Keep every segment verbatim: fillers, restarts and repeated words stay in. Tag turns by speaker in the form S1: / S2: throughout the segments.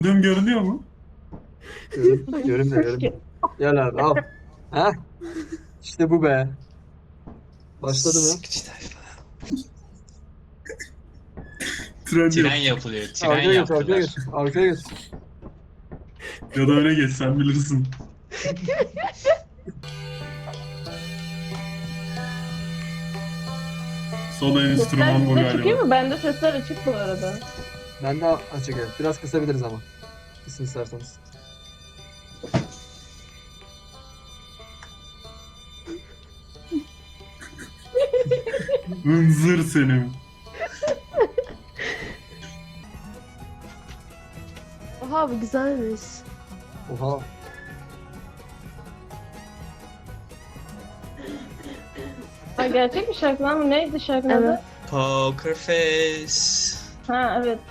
S1: Düm görünüyor mu?
S2: Görün, görün de görün. Gel abi al. Ha? İşte bu be. Başladı mı?
S3: Sıkıcı tayfa.
S1: Tren
S3: Tren
S1: yok.
S3: yapılıyor. Tren
S2: Arkaya geç, arkaya
S3: yaptılar.
S2: geç. Arkaya geç.
S1: Ya da öne geç, sen bilirsin. Son enstrüman bu
S4: Sesler size çıkıyor
S1: galiba.
S4: mu? Bende sesler açık bu arada.
S2: Ben de açık evet. Biraz kısabiliriz ama. Kısın isterseniz.
S1: Hınzır senin.
S5: Oha bu güzelmiş.
S2: Oha.
S4: Ha, gerçek bir şarkı lan mı? Neydi şarkının
S5: Evet.
S4: adı?
S3: Poker face.
S4: Ha evet.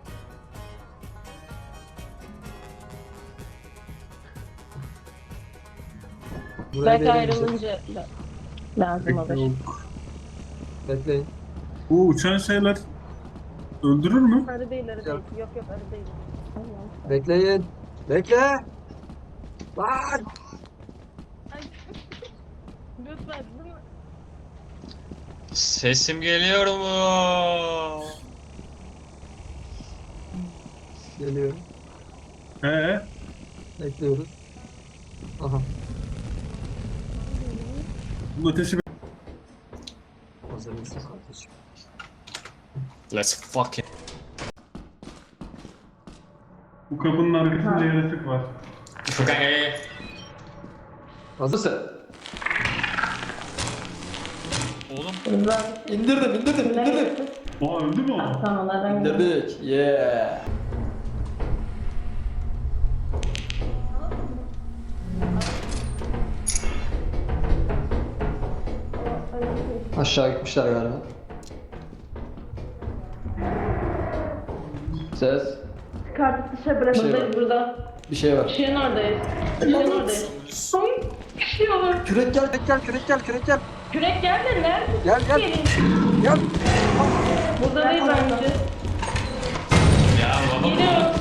S2: Buraya
S4: Belki
S2: değelim
S4: ayrılınca la- lazım olur.
S1: Yok.
S2: Bekleyin.
S1: Bu uçan şeyler öldürür mü?
S4: Arı değil, arı değil.
S2: Yok.
S4: Yok yok arı değil. Allah'ım.
S2: Bekleyin. Bekle. Lan.
S4: Ay. Lütfen değil mi?
S3: Sesim geliyor mu?
S2: Geliyor.
S1: He.
S2: Bekliyoruz. Aha.
S1: Bunun ateşi
S2: Hazır mısın kardeşim?
S3: Let's fucking.
S1: bu kapının arkasında yaratık var.
S3: Furkan gel gel.
S2: Hazırsın.
S3: Oğlum
S4: Güzel.
S6: İndirdim, indirdim, indirdim.
S1: Aa, öldü mü o?
S4: Tamam onlardan gidelim.
S6: İndirdik, yeah. Aşağı gitmişler galiba. Ses,
S4: Çıkartıp dışarı bırakıldayız burada.
S6: bir şey var.
S4: Işığın oradayız. Işığın oradayız. Ay, üşüyorum.
S2: Kürek gel, kürek gel, kürek gel, kürek gel.
S4: Kürek gel de nerede?
S2: Gel, gel.
S4: Gelin.
S2: Gel.
S4: Burada değil bence.
S3: ya baba.
S4: Geliyorum.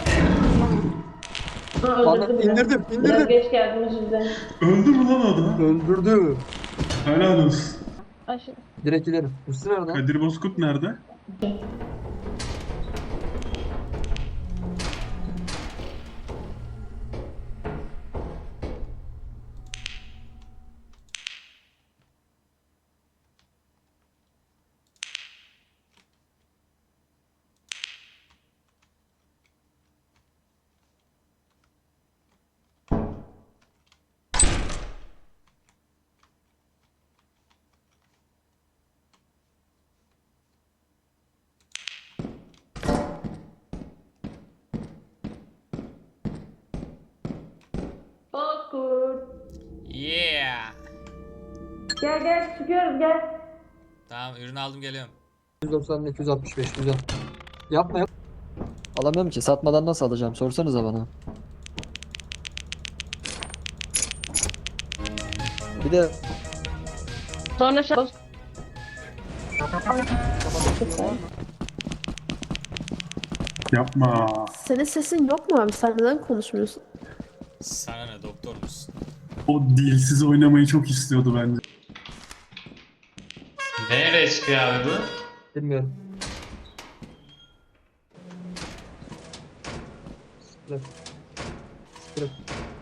S4: Ha,
S2: Bana
S4: öldürdü bile.
S2: indirdim,
S4: Biraz
S2: indirdim.
S4: geç geldim özür dilerim.
S1: Öldü mü lan o da?
S2: Öldürdü.
S1: Helal olsun.
S4: Aşırı.
S2: Direkt ilerim. Üstü nerede?
S1: Kadir Bozkurt nerede?
S4: Bozkurt.
S3: Yeah.
S4: Gel gel çıkıyoruz gel.
S3: Tamam ürünü aldım geliyorum.
S2: yüz doksan iki yüz altmış beş güzel. Yapma yap.
S6: Alamıyorum ki, satmadan nasıl alacağım? Sorsanıza bana. Bir de
S4: Sonra şey...
S1: Yapma.
S5: Senin sesin yok mu abi? Sen neden konuşmuyorsun?
S3: Sana ne doktor musun?
S1: O dilsiz oynamayı çok istiyordu bence.
S3: Nereye çıkıyor abi bu?
S2: Bilmiyorum. Bırak. Bırak.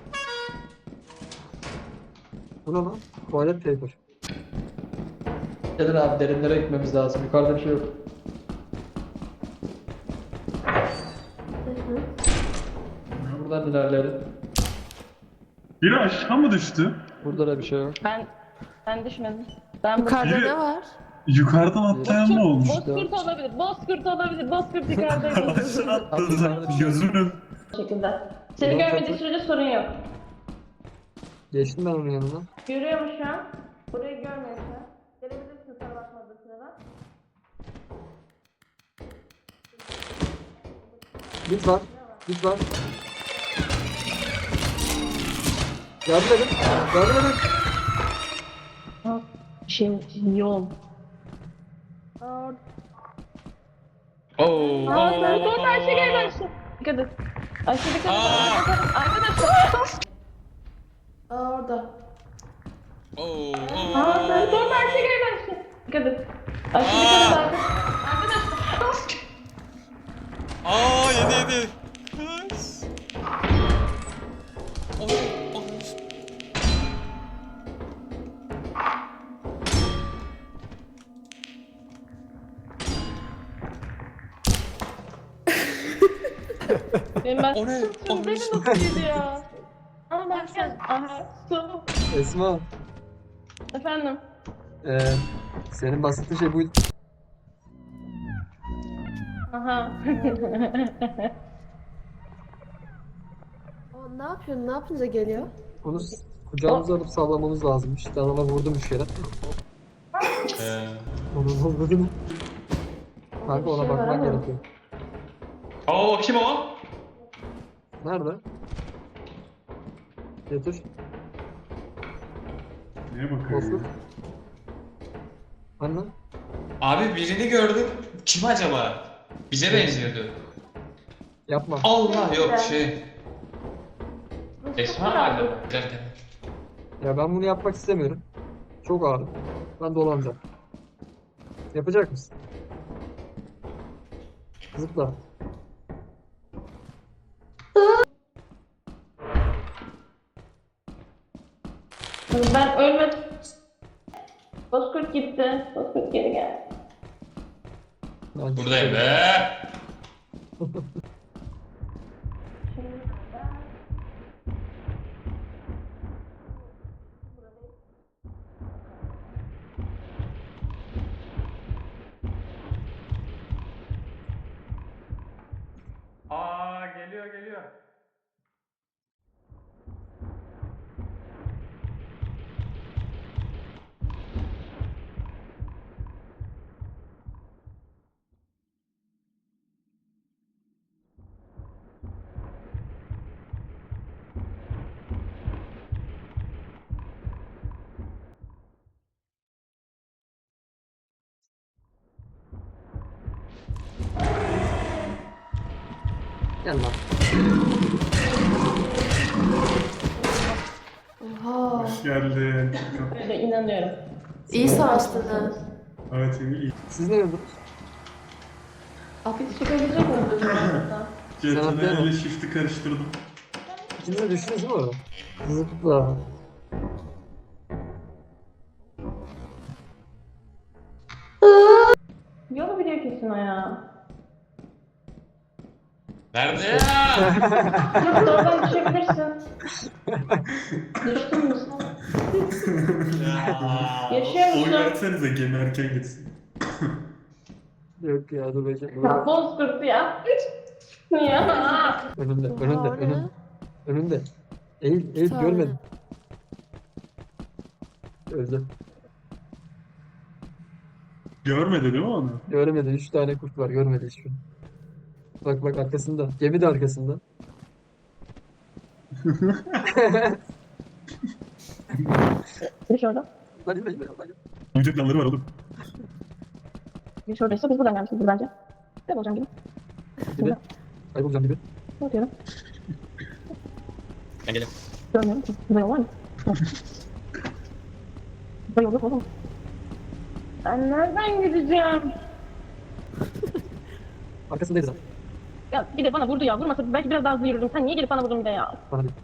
S2: Bu ne lan? Tuvalet paper.
S6: gelin abi, derinlere gitmemiz lazım. Yukarıda bir şey yok. Buradan ilerleyelim.
S1: Biri aşağı mı düştü?
S6: Burada da bir şey yok.
S4: Ben ben düşmedim. Ben
S5: Yukarıda
S1: Biri-
S5: ne var?
S1: Yukarıdan atlayan mı olmuş?
S4: Bozkurt olabilir. Bozkurt olabilir. Bozkurt yukarıdaydı.
S1: Aşağı atladı. Gözümün.
S4: Bu şekilde. Seni görmediği sürece sorun yok.
S2: Geçtim ben onun yanına.
S4: Görüyor mu şu an? Burayı görmüyor şu an. Gelebilirsin sana bakmadığı sırada.
S2: Bit var. Bit var. Yardım edin. Yardım edin.
S4: Ha, şey yol. Aa,
S3: Oo.
S4: aa, sen son taşı gel aşağı. Dikkat et. Aşırı dikkat edin.
S3: Aa!
S4: Arkadaşlar.
S5: Aa orada.
S3: Oo, oo.
S4: Aa ben son her şey gelmez. Dikkat et. Aşırı dikkat edin arkadaşlar. Arkadaşlar.
S3: Aa, yedi yedi. Kız. Oy, oy.
S4: Benim ben
S3: O ne? O ne?
S4: beni nasıl yedi ya? Ama ben sen. Aha. Su.
S2: Esma.
S4: Efendim.
S2: Ee, senin bahsettiğin şey buydu.
S4: Aha.
S5: Aa, ne yapıyorsun? Ne yapınca geliyor?
S2: Onu s- kucağımıza alıp sallamamız lazım. İşte adama vurdum üç kere.
S3: Ee,
S2: Onu vurdum. Kanka ona
S5: Bir şey var
S2: bakmak
S5: ama.
S2: gerekiyor.
S3: Oo, kim o?
S2: Nerede? Getir.
S1: Neye bakıyorsun?
S2: Bozkurt. Anne.
S3: Abi birini gördüm. Kim acaba? Bize benziyordu.
S2: Yapma.
S3: Allah yok şey. Esma mı acaba? Gel gel.
S2: Ya ben bunu yapmak istemiyorum. Çok ağır. Ben dolanacağım. Yapacak mısın? Zıpla.
S4: Ben ölmedim. Bozkurt gitti. Bozkurt geri geldi.
S2: Ben
S3: Buradayım be. Aa, geliyor geliyor.
S2: Gel lan.
S5: Oha.
S1: Hoş geldin.
S4: Böyle inanıyorum.
S5: İyi savaştın ha.
S1: Evet iyi. iyi.
S2: Siz ne gördünüz?
S4: Afiyet çıkabilecek miyim?
S1: C T
S2: Sen
S1: R
S2: atlayalım.
S1: ile shift'i karıştırdım.
S2: İkiniz de düştünüz değil mi? Zıpla.
S4: Yolu biliyor kesin o ya.
S3: Nerede ya?
S4: Yok oradan düşebilirsin. Düştün mü sen?
S3: Ya.
S4: Yaşıyor
S1: Oy
S4: musun?
S1: versenize gemi erken gitsin.
S2: Yok ya dur bekle.
S4: Ya Bozkurt ya. Ya.
S2: Önümde,
S5: Oha,
S2: önümde,
S5: o ne?
S2: önümde. Önümde. Eğil, eğil
S5: Sağ ol.
S2: görmedim. Öldü.
S1: Görmedi değil mi onu?
S2: Görmedi. Üç tane kurt var. Görmedi hiçbirini. Bak bak arkasında. Gemi de arkasında.
S4: Geç orada.
S2: Hadi hadi hadi. hadi.
S1: Oyuncak planları var oğlum.
S4: Geç oradaysa biz buradan gelmişiz bence. Ben olacağım gibi.
S2: Gibi. Kaybolacağım gibi.
S4: Ne yapıyorum?
S3: Ben geliyorum.
S4: Görmüyorum ki. Burada yol var mı? Burada yol yok oğlum. Ben nereden gideceğim?
S2: Arkasındaydı zaten.
S4: Ya bir de bana vurdu ya. Vurmasa belki biraz daha hızlı yürürdüm. Sen niye gelip bana vurdun bir de ya?
S2: Bana değil.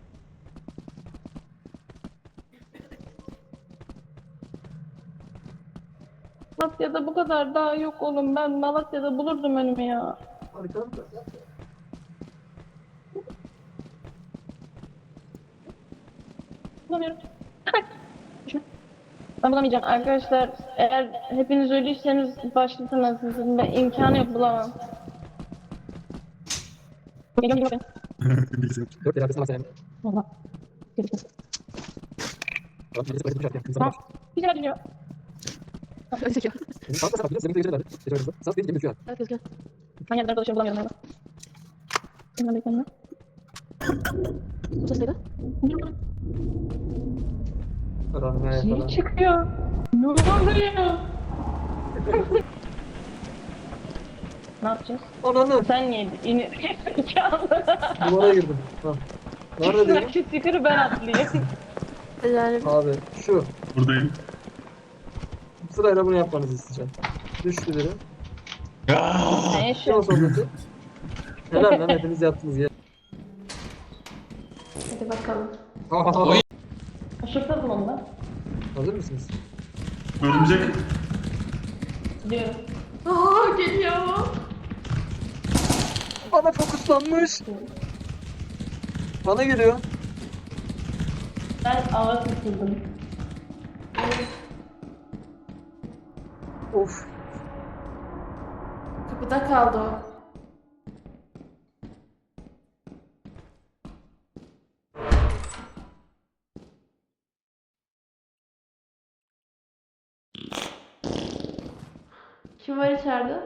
S4: Malatya'da bu kadar daha yok oğlum. Ben Malatya'da bulurdum önümü ya.
S2: Arkamda.
S4: Bulamıyorum. Düşme. Ben bulamayacağım. Arkadaşlar eğer hepiniz ölüyseniz başlatın sizin. Ben imkanı yok bulamam. Geliyorum geliyorum.
S1: Bilgisayar.
S2: Dört el arkasına bak sen.
S4: Valla. Geliştim.
S2: Tamam, birisi paket düşerken. İnsan
S4: Tamam.
S2: bak.
S4: Bir şeyler geliyor.
S5: Öyle çekiyor.
S2: Senin sağ tarafında zemin kıyıcılar vardı. Geçen hızlı. Sağ benim gibi düşüyor.
S5: Evet gözüküyor.
S4: Ben yerlerde dolaşıyorum bulamıyorum hala. Hemen bekleyin.
S5: Bu ses neydi?
S2: Karanlığa
S4: Şey
S2: falan.
S4: çıkıyor. Ne oluyor? Ne yapacağız?
S2: Ananı.
S4: Sen niye in zekalı?
S2: Duvara girdim. Ha. Nerede diyorum?
S4: Şu sticker'ı ben atlayayım.
S5: Yani
S2: Abi şu.
S1: Buradayım.
S2: Sırayla bunu yapmanızı isteyeceğim. Düştü biri.
S3: Ah!
S4: Ne
S2: Şu an
S4: şu?
S2: sonraki. Helal lan hepiniz yaptınız ya.
S5: hadi bakalım.
S3: Oy.
S4: Şıkladım onu da.
S2: Hazır mısınız?
S1: Örümcek.
S4: Diyorum.
S5: Aa geliyor.
S2: Bana fokuslanmış. Bana geliyor.
S4: Ben ava tutuldım.
S2: Of.
S5: Kapıda kaldı o. Kim var içeride?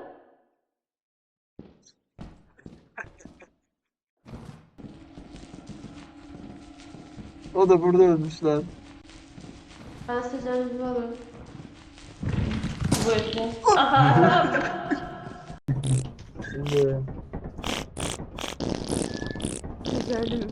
S2: O da burada ölmüş lan.
S5: Ben seçeneğimi alıyorum.
S4: Bu işi. Aha.
S2: Şimdi
S5: Güzelim.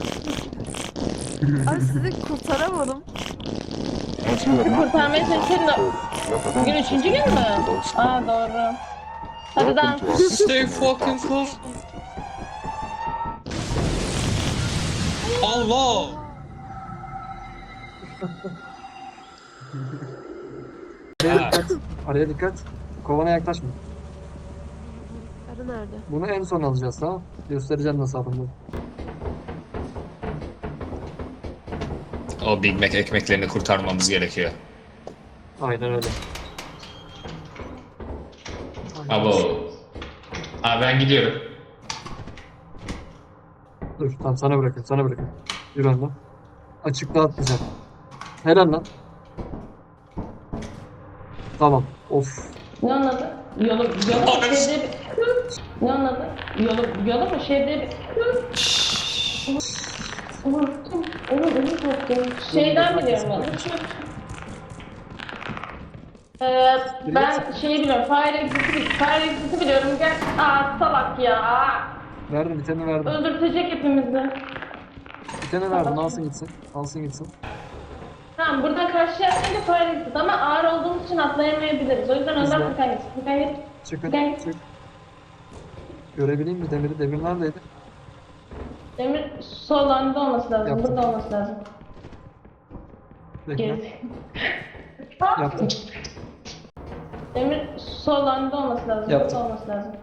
S5: Abi sizi kurtaramadım.
S4: Kurtarmaya çalışıyorum da. Bugün üçüncü gün mü? Aa doğru. Hadi dans.
S3: Stay fucking close. Allah!
S2: araya
S3: Ha.
S2: dikkat. Araya dikkat. Kovana yaklaşma.
S5: Arı nerede?
S2: Bunu en son alacağız tamam mı? Göstereceğim nasıl yapıldığını.
S3: O Big Mac ekmeklerini kurtarmamız gerekiyor.
S2: Aynen öyle.
S3: Abo. Abi ben gidiyorum.
S2: Dur tamam sana bırakın sana bırakın. Yürü ondan. Açıkta atlayacağım. Helal lan. Tamam. Of.
S4: Ne onun adı? Yolu, yolu mu şeyde bir... Ne onun adı? Yolu, yolu mu şeyde bir... Unuttum. Onu unuttum. Şeyden biliyorum onu. Ee, ben şeyi biliyorum. Fire Exit'i Fire Exit'i biliyorum. Gel. Aa salak ya.
S2: Verdim bir tane verdim.
S4: Öldürtecek hepimizi.
S2: Bir tane verdim alsın gitsin. Alsın gitsin.
S4: Tamam buradan karşıya atlayınca Fire Exit ama ağır olduğumuz için atlayamayabiliriz. O yüzden
S2: Güzel.
S4: önden Furkan gitsin. Furkan git.
S2: Çıkın
S4: Gel.
S2: çık. Görebileyim mi demiri? Demir neredeydi?
S4: Demir sol anda olması lazım.
S2: Yaptım.
S4: Burada olması lazım.
S2: Bekle.
S4: Geri.
S2: Yaptım.
S4: Demir sol anda olması lazım.
S6: Yaptım.
S4: Burada olması lazım.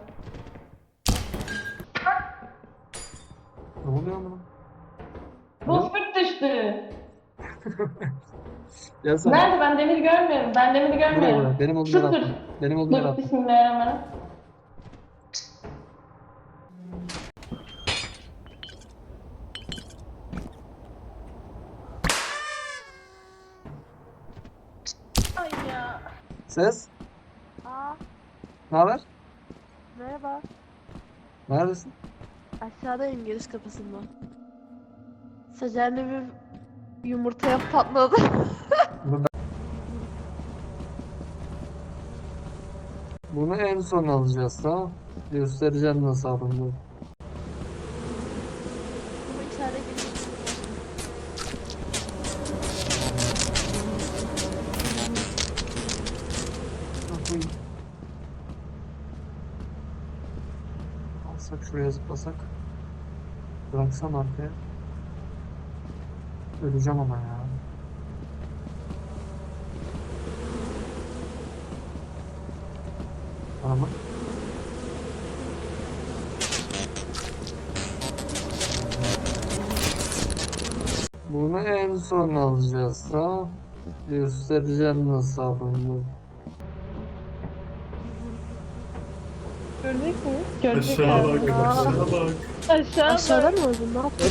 S2: Ne oluyor lan?
S4: Bu fırt düştü.
S2: Gelsene.
S4: Nerede? Ben demiri görmüyorum. Ben demiri
S2: Buraya
S4: görmüyorum.
S2: buraya. Benim olduğum
S4: Dur,
S2: yere
S4: dur.
S2: attım. Benim olduğum yere
S4: Dur
S2: attım.
S4: bismillahirrahmanirrahim. Ay ya.
S2: Ses.
S5: Aa
S2: Ne haber?
S5: merhaba.
S2: Neredesin?
S5: Aşağıdayım giriş kapısında. Seçeneğim yumurtaya patladı.
S2: Bunu, ben- Bunu en son alacağız tamam mı? Göstereceğim nasıl alındığını.
S5: Ama içeride giriş.
S2: Alsak şuraya zıplasak. Bıraksam arkaya. Öleceğim ama ya. Ama bunu en son alacağız tamam mı? Göstereceğim nasıl alındığını.
S4: Görecek mi? Görecek
S1: Aşağı
S4: abi.
S1: bak. Aşağı bak.
S4: Aşağı bak.
S5: Aşağıdan mı öldün? Ne yaptın?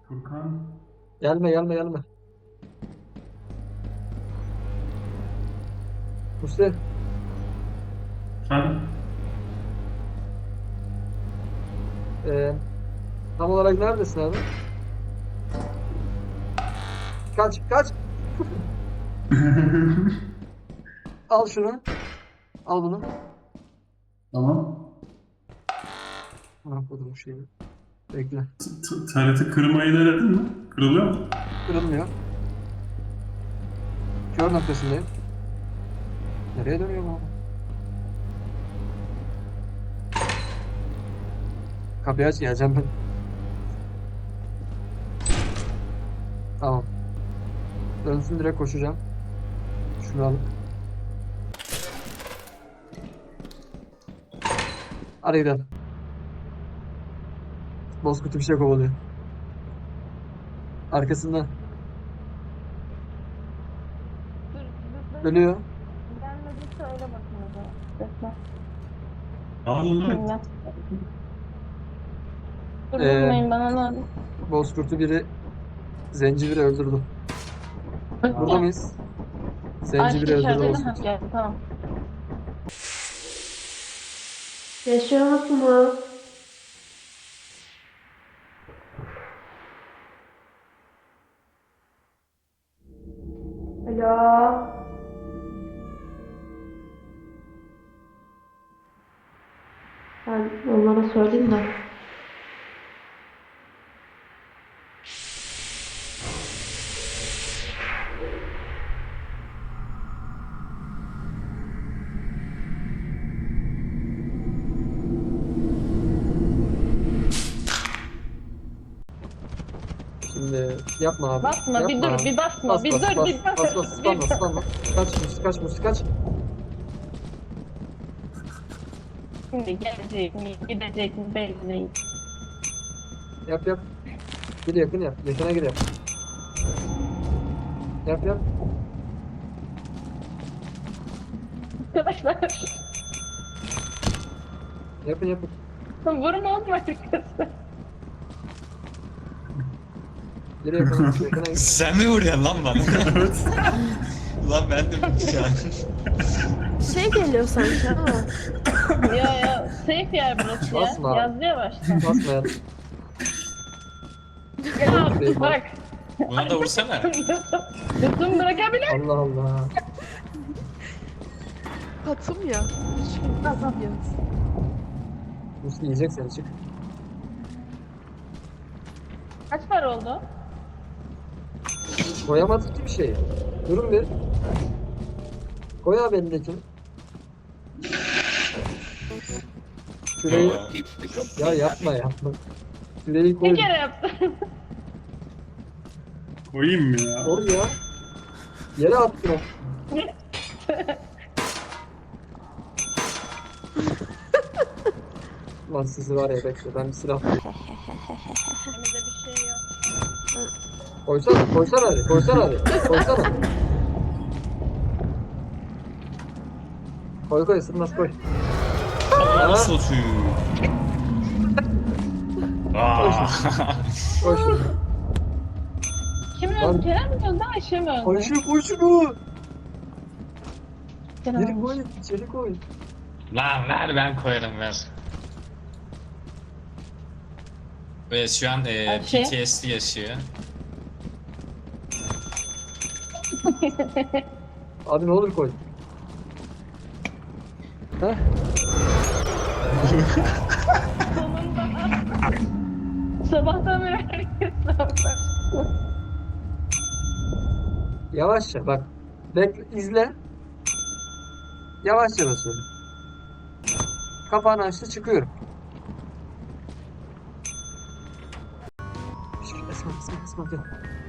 S1: Furkan.
S2: Gelme gelme gelme. Musti.
S1: Sen
S2: Ee, tam olarak neredesin abi? Kaç kaç. Al şunu. Al bunu.
S1: tamam.
S2: Ne yapalım bu şeyi? Bekle.
S1: T- T R T kırmayı denedin mi? Kırılıyor mu?
S2: Kırılmıyor. Kör noktasındayım. Nereye dönüyor bu? Kapıyı aç, geleceğim ben. Tamam. Dönsün, direkt koşacağım. Şunu alıp. Hadi gidelim. Bozkurt bir şey kovalıyor. Arkasında.
S4: Dur, dur, dur.
S2: Ölüyor.
S4: Gelmediyse öyle bakın o zaman. Bekle.
S1: Al lan.
S4: Dinle. Dur
S2: Ee,
S4: vurmayın bana lan.
S2: Bozkurt'u biri Zencibiri öldürdü. Burada mıyız? Zencibiri
S4: Aşk
S2: öldürdü
S4: içeride
S2: Bozkurt.
S4: ha geldi tamam.
S5: Yaşıyor musunuz? Alo. Ben onlara söyleyeyim de.
S2: Şimdi yapma abi.
S4: Basma bir
S2: yapma
S4: dur
S2: abi.
S4: bir basma
S2: Bas
S4: bir
S2: bas
S4: dur
S2: bas
S4: bir
S2: bas
S4: bas.
S2: bas spamla spamla. Kaç Musti kaç Musti kaç.
S4: Şimdi gelecek mi gidecek mi belli değil.
S2: Yap yap. Gir yakın yap. Yakına gir yap. Yap yap.
S4: Arkadaşlar
S2: Yapın yapın.
S4: vurma olma arkadaşlar.
S2: Gir yakına. Yakına gir.
S3: Sen mi vuruyorsun lan bana?
S1: Evet.
S3: Lan ben de şu an.
S5: Şey geliyor sanki ama.
S4: Ya ya safe yer burası ya.
S2: Basma.
S4: Yazdı ya başta.
S2: Basma ya.
S4: Ya bak.
S3: Buna da vursana.
S4: Lütfen bırakabilir.
S2: Allah Allah.
S5: Katım ya. Üç gün katım ya.
S2: Musti yiyecek seni, çık.
S4: Kaç para oldu?
S2: Koyamadık ki bir şey. Durun bir. Koy abi elindekini. Şurayı... Ya yapma yapma. Şurayı koy.
S4: Bir kere yaptım.
S1: Koyayım mı ya?
S2: Oraya. Yere attın o. Lan sizi var ya, bekle, ben bir silah
S4: Elimizde bir şey yok.
S2: koysana, koysana hadi, koysana hadi, koysana. Koy koy, ısırmaz koy.
S3: Allah'ını satayım. Aa.
S2: Koy şunu.
S4: Kim
S2: Lan-
S4: öldü? Kerem mi öldü? Ayşe mi öldü?
S2: Koy şunu, koy şunu.
S4: Kerem
S2: Geri
S4: öldü.
S2: koy, içeri koy.
S3: Lan ver ben koyarım ver. Evet şu an e,
S4: Ayşe?
S3: P T S D yaşıyor.
S2: Abi ne olur koy. Heh.
S4: Sabahtan beri herkes sabah.
S2: Yavaşça bak. Bekle, izle. Yavaşça basıyorum. Kapağını açtı, çıkıyorum. Şşş, Esma, Esma, Esma gel.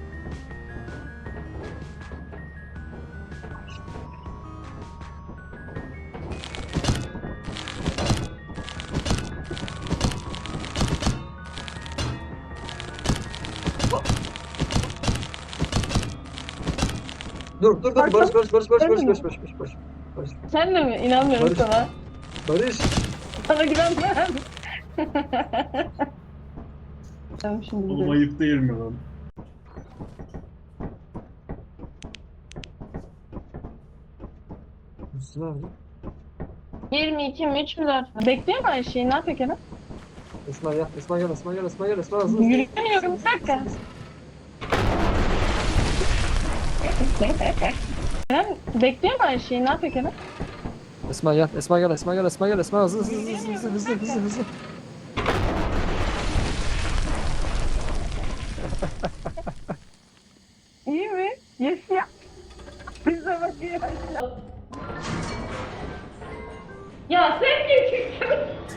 S2: Dur, dur, dur. Barış, Barış, Barış, Barış, Barış, Barış, Barış, Barış, Barış, Barış, Barış.
S4: Sen de mi? İnanmıyorum
S2: Barış.
S4: sana.
S2: Barış.
S4: Sana güvenmem. Ben şimdi
S1: Oğlum
S4: gidiyorum.
S1: ayıp değil mi lan?
S2: Müslüm abi.
S4: yirmi iki mi üç mü dört? Bekliyor mu her şeyi? Ne yapıyor Kenan?
S2: Esma gel, Esma gel, Esma gel, Esma gel, Esma hızlı hızlı.
S4: Yürüyemiyorum bir dakika. Kenan bekliyor mu her şeyi? Ne yapıyor Kenan?
S2: Esma gel, Esma gel, Esma gel, Esma gel, Esma hızlı hızlı hızlı hızlı hızlı hızlı hızlı.
S4: İyi mi? Yes ya. Bize bakıyor. Ya sen geçiyorsun.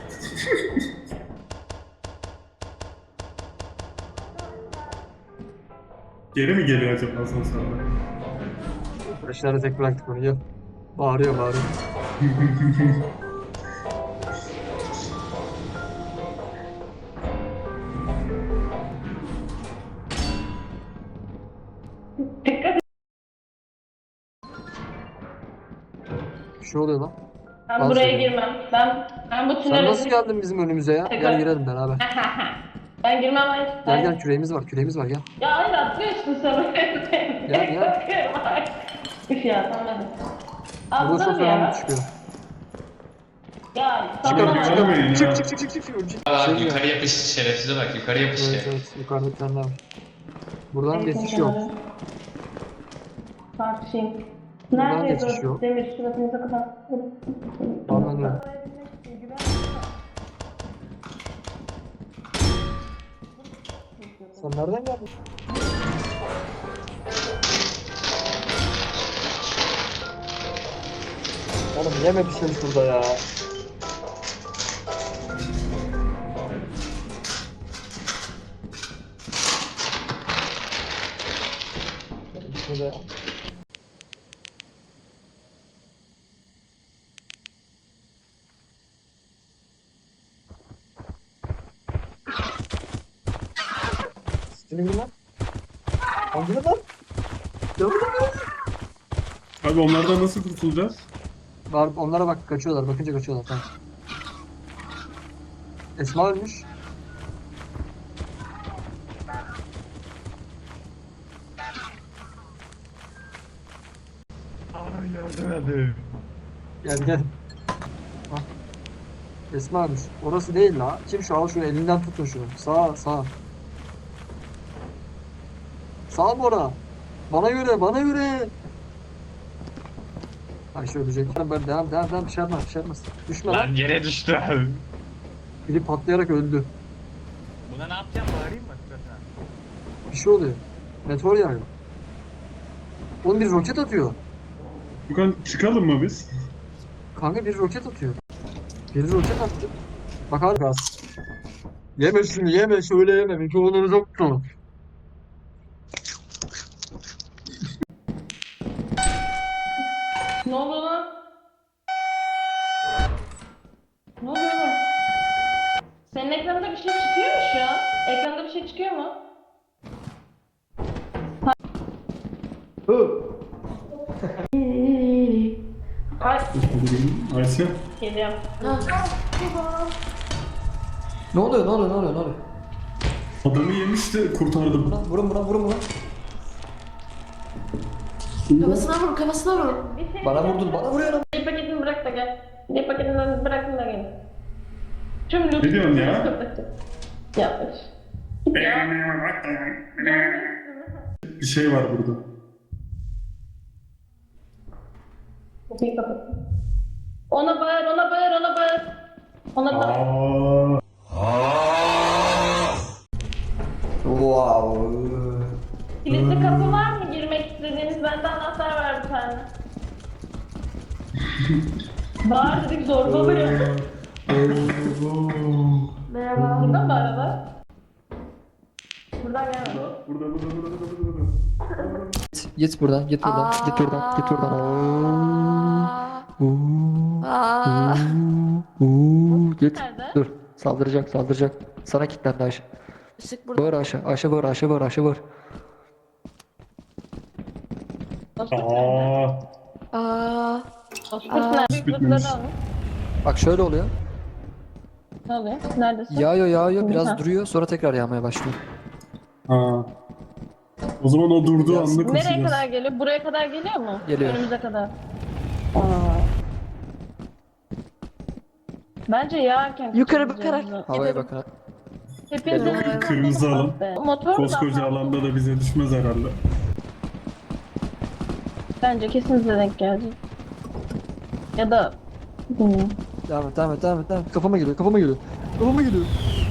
S1: Geri mi geliyor acaba asansörde?
S2: Aşağıda tek bıraktık onu gel. Bağırıyor bağırıyor. Bir şey oluyor lan.
S4: Ben
S2: Dans
S4: buraya
S2: ediyor.
S4: girmem. Ben ben bu
S2: Sen
S4: tünele...
S2: nasıl geldin bizim önümüze ya? Gel girelim beraber.
S4: Ben girmem hayır.
S2: Gel
S4: Hayır.
S2: gel küreğimiz var, küreğimiz var gel.
S4: Ya hayır atlıyorsun sen.
S2: Gel, gel.
S4: Korkuyorum hayır. Üf ya tamam hadi.
S2: Burada
S4: Atlarım
S2: çok fena
S4: ya.
S2: bir çıkıyor.
S4: Ya
S1: Çıkar,
S4: tamam.
S1: çıkar. Çıkamayın
S2: Çık
S1: ya.
S2: çık çık çık çık. çık.
S3: Bak
S2: Şey diyor.
S3: yukarı yapış şerefsize bak yukarı yapış
S2: Evet
S3: işte.
S2: evet yukarıda bir tane daha var. Buradan
S4: Evet,
S2: geçiş yok.
S4: kenarı. Tartışayım.
S2: Buradan
S4: Neredeyiz
S2: geçiş
S4: o
S2: yok.
S4: demir suratınıza kadar?
S2: Anladım. Sen nereden geldin? Oğlum yeme bir şey şurada ya. Şurada. Stilim lan. Hangi lan? Yavrum lan.
S1: Abi onlardan nasıl kurtulacağız?
S2: Var, onlara bak kaçıyorlar. Bakınca kaçıyorlar. Tamam. Esma ölmüş. Gel gel. Bak. Esma ölmüş. Orası değil la. Kim şu al şunu elinden tutun şunu. Sağ sağ. Sağ mı ora? Bana göre bana göre. Ayşe ölecek. Böyle devam devam devam bir şey yapmaz bir şey yapmaz. Düşme lan.
S3: yere düştü abi.
S2: Biri patlayarak öldü.
S3: Buna ne yapacağım bağırayım mı?
S2: Bir şey oluyor. Meteor yağıyor. Oğlum bir roket atıyor.
S1: Yukan çıkalım mı biz?
S2: Kanka bir roket atıyor. Bir roket attı. Bak abi gaz. Yeme şunu yeme şöyle yeme. Mikrofonları çok tutun.
S4: Ne oluyor lan? Ne oluyor lan? Senin ekranda bir şey çıkıyor mu şu an? Ekranda bir şey çıkıyor mu? Ay
S1: Ayşe.
S4: geliyorum.
S6: Ne oluyor ne oluyor ne oluyor ne oluyor?
S1: Adamı yemiş de kurtardım.
S6: Vurun vurun vurun vurun. vurun.
S5: Kafasına vur, kafasına vur.
S4: Bir şey
S6: Bana vurdun bana vuruyor.
S4: Bir paketini bırak da gel. Bir paketinden bırakın da gel. Tüm loot.
S1: Ne diyorsun ya?
S4: Yanlış.
S1: Bir şey var burada.
S4: Kapıyı kapat. Ona bağır, ona bağır, ona bağır. Ona bağır.
S1: Aa.
S6: Wow.
S4: Kilitli kapı var mı girmek istediğiniz? Bende anahtar var bir tane. Bağır dedik zorbalıyor.
S5: Merhaba.
S4: Burada mı araba? Buradan gelme.
S1: Burada burada burada burada burada. burada.
S6: Git buradan git buradan git buradan git buradan. Oo.
S5: Aa.
S6: Oo. Git.
S4: Nerede?
S6: Dur. Saldıracak saldıracak. Sana kilitlendi Ayşe.
S5: Işık burada.
S6: Bağır Ayşe. Ayşe bağır Ayşe bağır Ayşe bağır.
S4: Dostluk nerede?
S1: Aa.
S5: Aa.
S4: Dostluk
S5: Aa.
S4: nerede? Büyük
S1: Bitmemiş.
S4: lootları alın.
S6: Bak şöyle oluyor.
S4: Ne oluyor? Neredesin?
S6: Yağıyor yağıyor
S4: Ha.
S6: biraz duruyor sonra tekrar yağmaya başlıyor.
S1: Ha. O zaman o durduğu
S6: Biraz-
S1: anda
S4: Nereye
S1: koşacağız.
S4: kadar geliyor? Buraya kadar geliyor mu?
S6: Geliyor.
S4: Önümüze kadar. Aa. Bence yağarken
S5: Yukarı
S4: kaçıracağız
S5: bakarak
S4: bunu.
S6: Havaya
S5: gidelim.
S6: bakın.
S4: Hepiniz
S6: Geliyor.
S4: de-
S1: Kırmızı alan.
S4: Motor
S1: Koskoca
S4: da-
S1: alanda da bize düşmez herhalde.
S4: Bence kesin size denk gelecek. Ya da bilmiyorum.
S6: Devam et devam et devam et. Devam et. Kafama geliyor kafama geliyor. Kafama geliyor.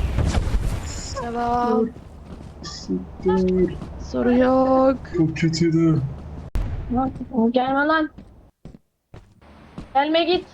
S5: Devam.
S1: Dur.
S5: Soru yok.
S1: Çok kötüydü.
S4: Lan, gelme lan. Gelme git.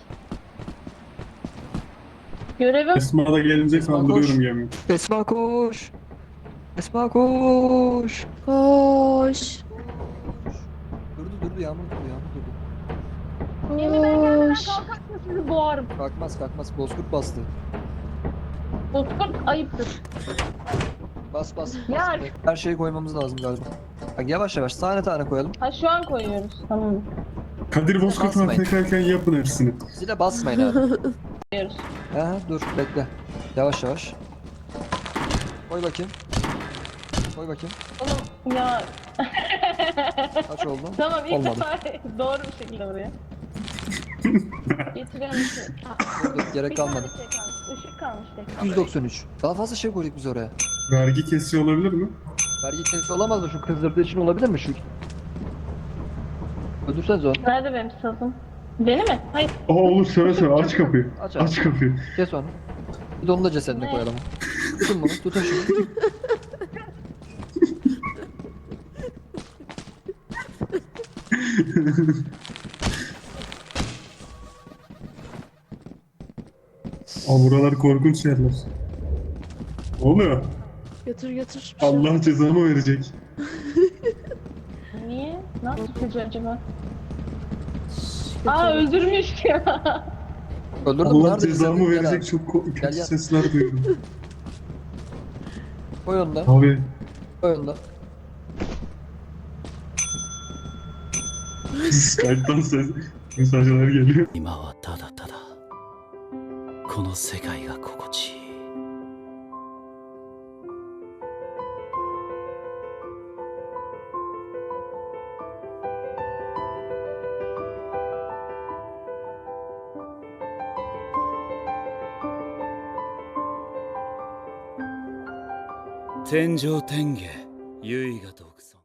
S4: Görevim.
S1: Esma da gelince
S6: Esma koş.
S1: kaldırıyorum gemiyi.
S6: Esma koş. Esma koş.
S5: Koş.
S6: Durdu durdu yağmur durdu yağmur durdu.
S4: Gemi ben gelmeden
S5: Koş.
S4: kalkarsa sizi boğarım.
S6: Kalkmaz kalkmaz bozkurt bastı.
S4: Bozkurt ayıptır.
S6: Bas bas. bas.
S4: Ya.
S6: Her şeyi koymamız lazım galiba. Bak yavaş yavaş tane tane koyalım.
S4: Ha şu an koyuyoruz. Tamam.
S1: Kadir Bozkurt'un
S6: Basmayın.
S1: tekrarken yapın hepsini.
S6: Zile basmayın abi.
S4: Koyuyoruz.
S6: Aha dur bekle. Yavaş yavaş. Koy bakayım. Koy bakayım.
S4: Oğlum ya.
S6: Kaç oldu?
S4: Tamam ilk
S6: Olmadı.
S4: defa doğru bir şekilde buraya. Getiriyorum bir şey.
S6: Dur, dur, gerek
S4: Bir tane
S6: kalmadı.
S4: şey kalmış. Işık kalmış tek.
S6: yüz doksan üç. Daha fazla şey koyduk biz oraya.
S1: Vergi kesiyor olabilir mi?
S6: Vergi kesisi olamaz mı? Şu kızdırdığı için olabilir mi şu? Öldürseniz onu.
S4: Nerede benim sazım? Beni mi? Hayır.
S1: Aa olur söyle söyle aç kapıyı.
S6: Aç abi.
S1: Aç kapıyı.
S6: Kes onu. Bir de onu da cesedine
S4: Ne?
S6: koyalım. Tutun bunu. Tutun şunu.
S1: Aa buralar korkunç yerler. Ne oluyor?
S5: Götür götür. Bir şey yok.
S1: Allah cezamı verecek.
S4: Niye? Nasıl çocuğu acaba?
S5: Götür.
S4: Aa öldürmüş ya.
S6: Öldürdüm.
S1: Allah
S6: Nerede
S1: cezamı
S6: cesedin? Gel
S1: verecek
S6: abi.
S1: çok ko-
S6: Gel,
S1: kötü
S6: gel.
S1: sesler duydum.
S6: Koy onu da.
S1: Abi
S6: Koy onu da.
S1: Skype'dan ses mesajlar geliyor.
S7: 今はただただこの世界が心地いい天上天下唯我独尊